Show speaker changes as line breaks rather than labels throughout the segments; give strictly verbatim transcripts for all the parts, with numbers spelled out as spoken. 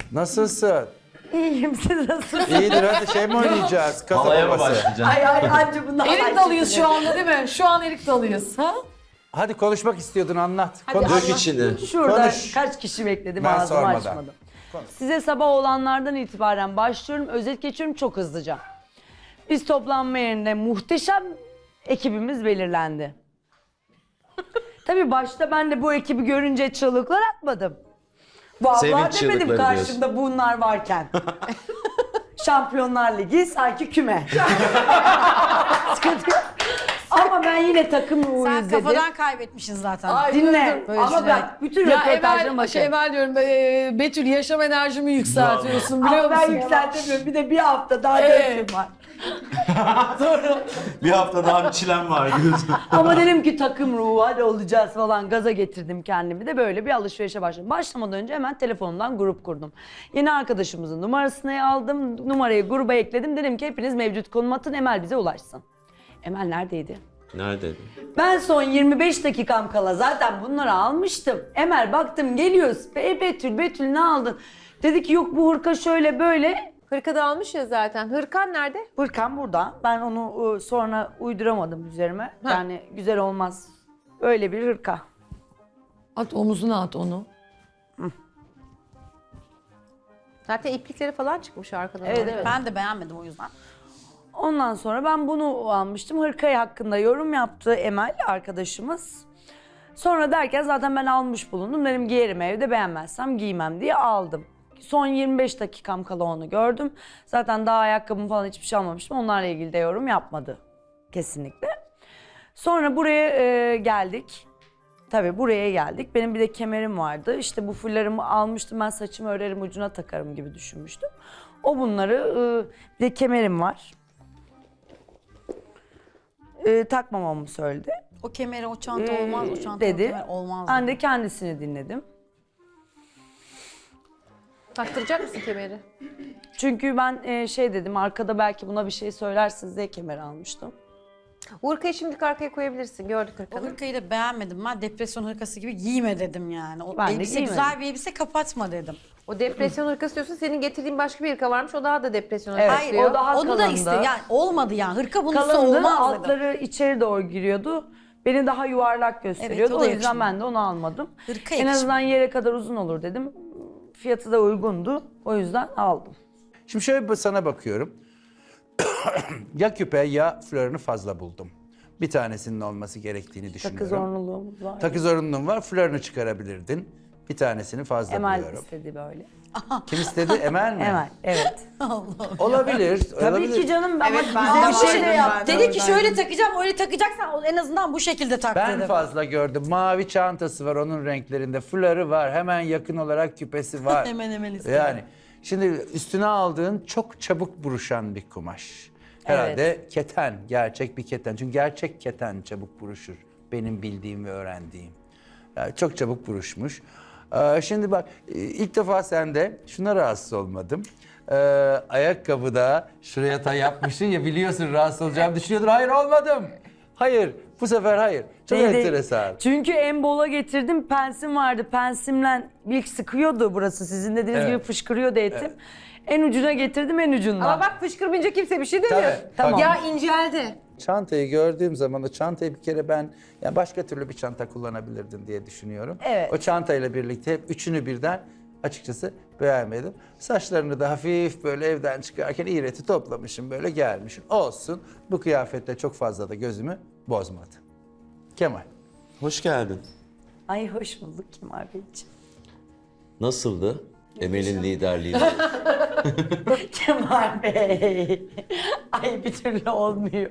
Nasılsın?
İyiyim, siz nasılsınız?
İyidir, hadi şey mi oynayacağız? Kasa
Halaya mı
babası.
başlayacaksın?
Ay ay anca bundan
Erik dalıyız şu anda değil mi? Şu an erik dalıyız. Ha?
Hadi konuşmak istiyordun, anlat.
Hadi
Konuş.
Dök içini.
Şurada
Konuş.
kaç kişi bekledim,
Ben
ağzımı
sormadan.
açmadım. Size sabah olanlardan itibaren başlıyorum. Özet geçiyorum çok hızlıca. Biz toplanma yerinde muhteşem ekibimiz belirlendi. Tabii başta ben de bu ekibi görünce çığlıklar atmadım. Vallahi
Sevinç
demedim
çığlıkları
karşımda bunlar varken. Şampiyonlar Ligi sanki küme. Sıkıntı yok. Ama ben yine takım
Sen
ruhuyuz dedim.
kafadan kaybetmişsin zaten.
Ay,
Dinle.
Böyle
Ama
şeyler.
bak bütün
Ya
röportajlarıma
Emel,
bakın.
şey Emel diyorum, e, Betül yaşam enerjimi yükseltiyorsun biliyor
Ama ben
musun?
yükseltemiyorum. Bir de bir hafta daha
Evet.
dörtüm var.
Bir hafta daha bir çilem var diyorsun.
Ama dedim ki takım ruhu hadi olacağız falan, gaza getirdim kendimi de böyle bir alışverişe başladım. Başlamadan önce hemen telefonumdan grup kurdum. Yeni arkadaşımızın numarasını aldım, numarayı gruba ekledim. Dedim ki hepiniz mevcut konum atın, Emel bize ulaşsın. Emel neredeydi?
Neredeydi?
Ben son yirmi beş dakikam kala zaten bunları almıştım. Emel baktım geliyoruz. Be Betül, Betül ne aldın? Dedi ki yok bu hırka şöyle böyle.
Hırka da almış ya zaten. Hırkan nerede?
Hırkam burada. Ben onu ıı, sonra uyduramadım üzerime. Yani güzel olmaz. Öyle bir hırka.
At omuzuna at onu.
Zaten iplikleri falan çıkmış arkadan.
Evet, evet.
Ben de beğenmedim o yüzden.
Ondan sonra ben bunu almıştım. Hırkayı hakkında yorum yaptı Emel arkadaşımız. Sonra derken zaten ben almış bulundum. Dedim giyerim evde, beğenmezsem giymem diye aldım. Son yirmi beş dakikam kala onu gördüm. Zaten daha ayakkabım falan hiçbir şey almamıştım. Onlarla ilgili de yorum yapmadı kesinlikle. Sonra buraya e, geldik. Tabii buraya geldik. Benim bir de kemerim vardı. İşte bu fullarımı almıştım. Ben saçımı örerim, ucuna takarım gibi düşünmüştüm. O bunları, e, bir de kemerim var. E, takmamamı söyledi.
O kemeri, o çanta
Ee,
olmaz, o çanta
dedi.
o kemer olmaz.
Ben
dedi.
de kendisini dinledim.
Taktıracak mısın kemeri?
Çünkü ben e, şey dedim, arkada belki buna bir şey söylersiniz diye kemer almıştım.
Bu hırkayı şimdilik arkaya koyabilirsin. Gördük
O
hırkanı.
hırkayı da beğenmedim. Ben depresyon hırkası gibi giyme dedim yani. O
Ben de
elbise
giymedim.
güzel bir elbise, kapatma dedim.
O depresyon hırkası diyorsun. Senin getirdiğin başka bir hırka varmış. O daha da depresyon
Evet,
hırkası
Hayır,
diyor.
o daha
onu da
kalındı.
iste. Yani olmadı yani. Hırka bunun üstü
Kalındı,
olmaz dedim.
altları içeri doğru giriyordu. Beni daha yuvarlak gösteriyordu.
o
o
da
yüzden
yakışmadı.
ben de onu almadım.
Hırka
En
yakışmadı.
azından yere kadar uzun olur dedim. Fiyatı da uygundu. O yüzden aldım.
Şimdi şöyle bir sana bakıyorum. Ya küpe ya flörünü fazla buldum. Bir tanesinin olması gerektiğini düşünüyorum.
Takı zorunluluğumuz var.
Takı zorunluluğun var, flörünü çıkarabilirdin. Bir tanesini fazla
Emel
buluyorum.
istedi böyle.
Kim istedi? Emel mi?
Emel, evet.
Olabilir.
Tabii
olabilir.
ki canım ama
Ama
bize bir
bu
şey de
şey-
yaptı.
Dedi ki şöyle takacağım, öyle takacaksan en azından bu şekilde tak
Ben
dedim.
fazla gördüm. Mavi çantası var onun renklerinde. Flörü var. Hemen yakın olarak küpesi var.
Hemen hemen istedim.
Yani şimdi üstüne aldığın çok çabuk buruşan bir kumaş. Herhalde keten, gerçek bir keten. Çünkü gerçek keten çabuk buruşur. Benim bildiğim ve öğrendiğim. Yani çok çabuk buruşmuş. Ee, şimdi bak ilk defa sende şuna rahatsız olmadım. Ee, ayakkabıda şuraya tay yapmışsın ya, biliyorsun rahatsız olacağımı düşünüyordun. Hayır, olmadım. Hayır, bu sefer hayır. Çok
Değil, değil.
enteresan.
Çünkü en bola getirdim, pensim vardı. Pensimle ilk sıkıyordu burası. Sizin dediğiniz
Evet.
gibi fışkırıyordu etim. En ucuna getirdim, en ucundan.
Ama bak fışkırmayınca kimse bir şey demiyor.
Tabii,
Tamam.
bak,
Ya inceldi.
çantayı gördüğüm zaman o çantayı bir kere ben ya başka türlü bir çanta kullanabilirdin diye düşünüyorum.
Evet.
O çantayla birlikte hep üçünü birden açıkçası beğenmedim. Saçlarını da hafif böyle evden çıkarken iğreti toplamışım, böyle gelmişim. Olsun, bu kıyafetle çok fazla da gözümü bozmadı. Kemal.
Hoş geldin.
Ay hoş bulduk Kemal Beyciğim.
Nasıldı? Emel'in liderliğinde.
Kemal Bey. Ay bir türlü olmuyor.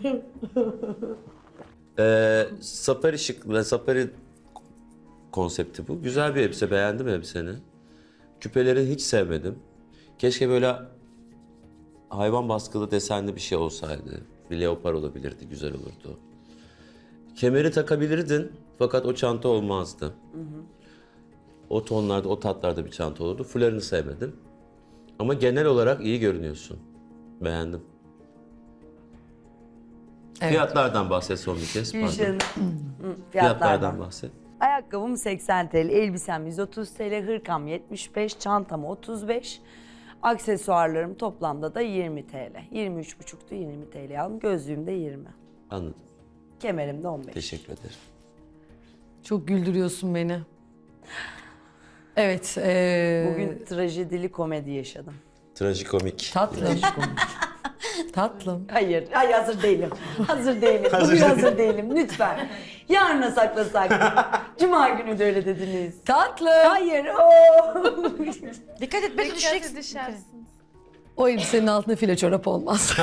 ee, safari şık ve safari konsepti bu. Güzel bir elbise. Beğendim elbiseni. Küpeleri hiç sevmedim. Keşke böyle hayvan baskılı desenli bir şey olsaydı. Bir leopar olabilirdi, güzel olurdu. Kemeri takabilirdin fakat o çanta olmazdı. Hı hı. O tonlarda, o tatlarda bir çanta olurdu. Fularını sevmedim. Ama genel olarak iyi görünüyorsun. Beğendim.
Evet.
Fiyatlardan bahset son bir kez. Pardon.
Gülşen. Hı,
Fiyatlardan bahset.
Ayakkabım seksen TL, elbisem yüz otuz TL, hırkam yetmiş beş, çantam otuz beş. Aksesuarlarım toplamda da yirmi TL. yirmi üç buçuktu, yirmi TL aldım. Gözlüğüm de yirmi.
Anladım.
Kemerim de on beş.
Teşekkür ederim.
Çok güldürüyorsun beni. Evet. ee,
Bugün trajedili komedi yaşadım.
Trajikomik.
Tatlım. Tatlım.
Hayır, hayır hazır değilim. Hazır değilim. Bugün hazır değilim lütfen. Yarına saklasak. Cuma günü de öyle dediniz.
Tatlım.
Hayır. Oo.
Dikkat et belki düşeceksin.
O elbisenin altında file çorap olmaz.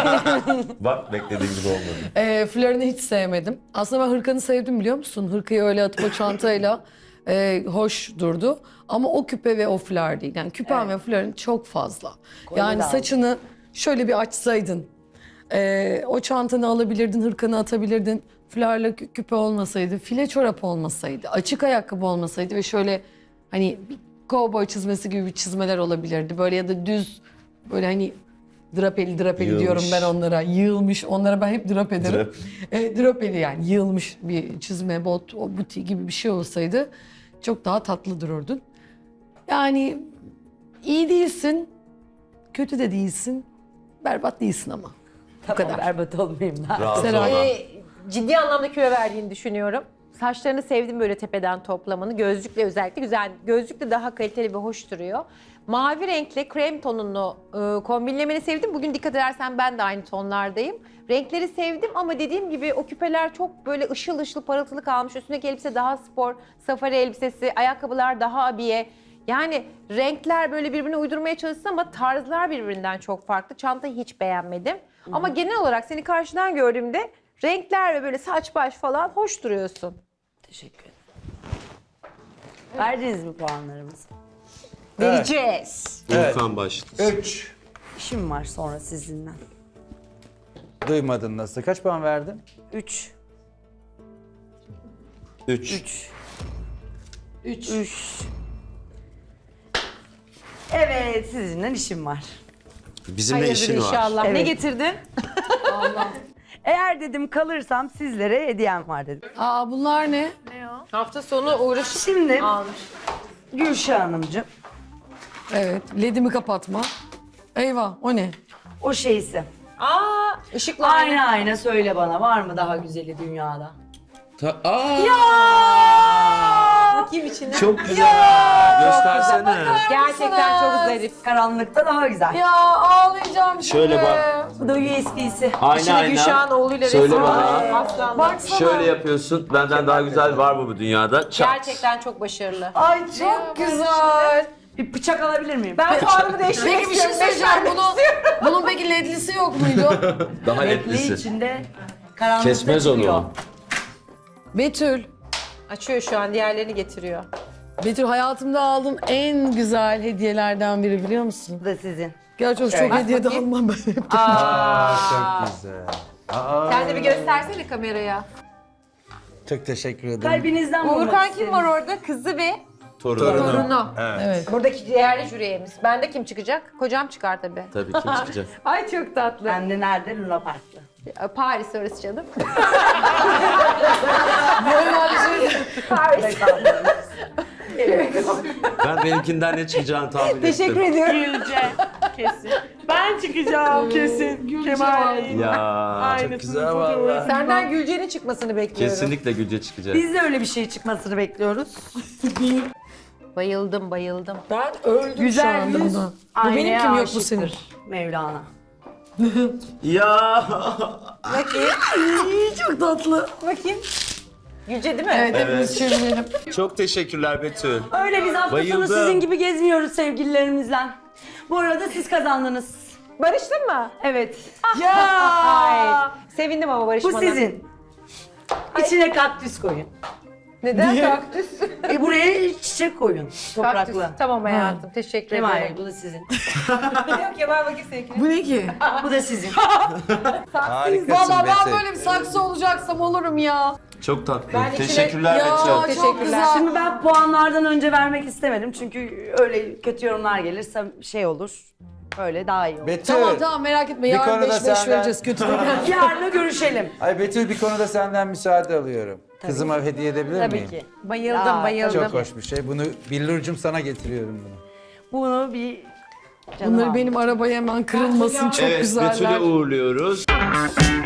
Bak beklediğim gibi olmadı.
e, flörünü hiç sevmedim. Aslında ben hırkanı sevdim biliyor musun? Hırkayı öyle atıp o çantayla e, hoş durdu. Ama o küpe ve o flör değil. Yani küpen ve flörün çok fazla. Yani
de aldım.
saçını şöyle bir açsaydın. e, o çantanı alabilirdin, hırkanı atabilirdin. Flörle kü- küpe olmasaydı, file çorap olmasaydı, açık ayakkabı olmasaydı ve şöyle hani bir kovboy çizmesi gibi bir çizmeler olabilirdi. Böyle ya da düz böyle hani drapeli drapeli
Yığılmış.
diyorum ben onlara. Yığılmış. Onlara ben hep drap ederim.
Drap.
E, drapeli yani yığılmış bir çizme, bot, o buti gibi bir şey olsaydı çok daha tatlı dururdun. Yani iyi değilsin, kötü de değilsin, berbat değilsin ama.
Tamam,
kadar.
berbat olmayayım ben.
Rahat
Seray.
olma.
Ee, ciddi anlamda kilo verdiğini düşünüyorum. Saçlarını sevdim böyle tepeden toplamanı. Gözlükle özellikle güzel. Gözlükle daha kaliteli ve hoş duruyor. Mavi renkle krem tonunu e, kombinlemeni sevdim. Bugün dikkat edersen ben de aynı tonlardayım. Renkleri sevdim ama dediğim gibi o küpeler çok böyle ışıl ışıl parıltılı kalmış. Üstündeki elbise daha spor, safari elbisesi, ayakkabılar daha abiye. Yani renkler böyle birbirine uydurmaya çalışsın ama tarzlar birbirinden çok farklı. Çantayı hiç beğenmedim. Ama genel olarak seni karşıdan gördüğümde renkler ve böyle saç baş falan hoş duruyorsun.
Teşekkür ederim. Verdiniz mi puanlarımızı?
Vereceğiz.
Volkan başladı.
Üç.
İşim var sonra sizinle.
Duymadın nasıl? Kaç puan verdin?
Üç.
Üç.
Üç. Üç. Üç. Evet, sizinle işim var.
Bizimle
Hayırdır
işin var.
inşallah. Ne
Evet.
getirdin?
Eğer dedim kalırsam sizlere hediyem var dedim.
Aa bunlar ne?
Hafta sonu uğraşıp
Şimdi
almış.
Gülşah Hanımcığım,
Evet, ledimi kapatma. Eyvah, o ne?
o şeysi.
Aa, ışıklar.
Ayna ayna söyle bana, var mı daha güzeli dünyada?
Ta- Aa!
Bakayım içine.
Çok güzel. Göstersene.
Gerçekten çok zarif.
Karanlıkta daha güzel.
Ya ağlayacağım şimdi.
Şöyle bak.
Bu da U S B'si.
Ayna
İçine Gülşah'ın oğluyla
Söyle
resim
bana.
var. Aslanlar.
Baksana.
Şöyle yapıyorsun. Benden daha güzel var mı bu dünyada? Çat.
Gerçekten çok başarılı.
Ay
Çok güzel.
Bir bıçak alabilir miyim?
Ben puanımı değiştirmek
Peki bir şey
istiyorum.
söyleyeceğim. Bunu, bunun peki ledlisi yok muydu?
Daha
Renkli
etlisi.
içinde karanlıkta
Kesmez onu.
çıkıyor.
Betül.
Açıyor şu an, diğerlerini getiriyor.
Betül hayatımda aldığım en güzel hediyelerden biri biliyor musun?
Bu da sizin.
Gerçi o çok
Evet.
hediye de
bakayım.
almam ben.
Aa, çok güzel. Aa,
Sen de bir göstersene kameraya.
çok teşekkür ederim.
Kalbinizden bulmak
Uğurkan kim
isterim.
var orada? Kızı ve
Torunu.
torunu.
Evet.
Buradaki değerli jüriyemiz. Bende kim çıkacak? Kocam çıkar tabii.
Tabii kim çıkacak?
Ay çok tatlı.
Ben de nerede? Luna Park'ta.
Paris orası canım.
Ben benimkinden ne çıkacağını tahmin ettim.
Teşekkür ediyorum.
Gülce kesin. Ben çıkacağım kesin. Kemal.
Ya
Çok güzel valla.
Senden Gülce'nin çıkmasını bekliyorum.
kesinlikle Gülce çıkacak.
Biz de öyle bir şey çıkmasını bekliyoruz.
Bayıldım, bayıldım.
Ben öldüm şu
Güzel
anda
yüz.
buna. Bu
Aynaya
benim kim yok bu
aşıktır
senin.
Mevlana.
Ya
Çok tatlı.
Bakayım. Gülce değil mi?
Evet, hepimiz çevirelim.
çok teşekkürler Betül.
Öyle biz hafta sonu
Bayıldım.
sizin gibi gezmiyoruz sevgililerimizle. Bu arada siz kazandınız.
Barıştın mı?
Evet.
Ay. Sevindim ama
Bu
barışmana.
sizin. İçine kaktüs koyun.
Neden? Kaktüs.
E buraya çiçek koyun.
Kaktüs.
Topraklı.
Tamam hayatım. Teşekkür
Kemal
ederim.
bu da sizin.
Yok ya ben bakayım seninkine.
Bu ne ki?
Bu da sizin.
Harikasın
Valla ben
Betül.
böyle bir saksı olacaksam olurum ya.
Çok tatlı.
Ben içine-
Teşekkürler
Ya
Betül.
çok
Teşekkürler.
güzel.
Şimdi ben puanlardan önce vermek istemedim. Çünkü öyle kötü yorumlar gelirse şey olur. Öyle daha iyi olur.
Betül.
Tamam tamam merak etme. Yarın
konuda
beş beş
senden-
vereceğiz kötü değil.
Yarın görüşelim.
Ay Betül bir konuda senden müsaade alıyorum. Kızıma hediye edebilir
Tabii
miyim?
ki.
Bayıldım
Aa,
bayıldım.
Çok hoş bir şey. Bunu Billur'cum sana getiriyorum bunu.
Bunu bir canım
Bunları
almış.
benim arabaya hemen kırılmasın çok
Evet,
güzeller.
Betül'ü uğurluyoruz.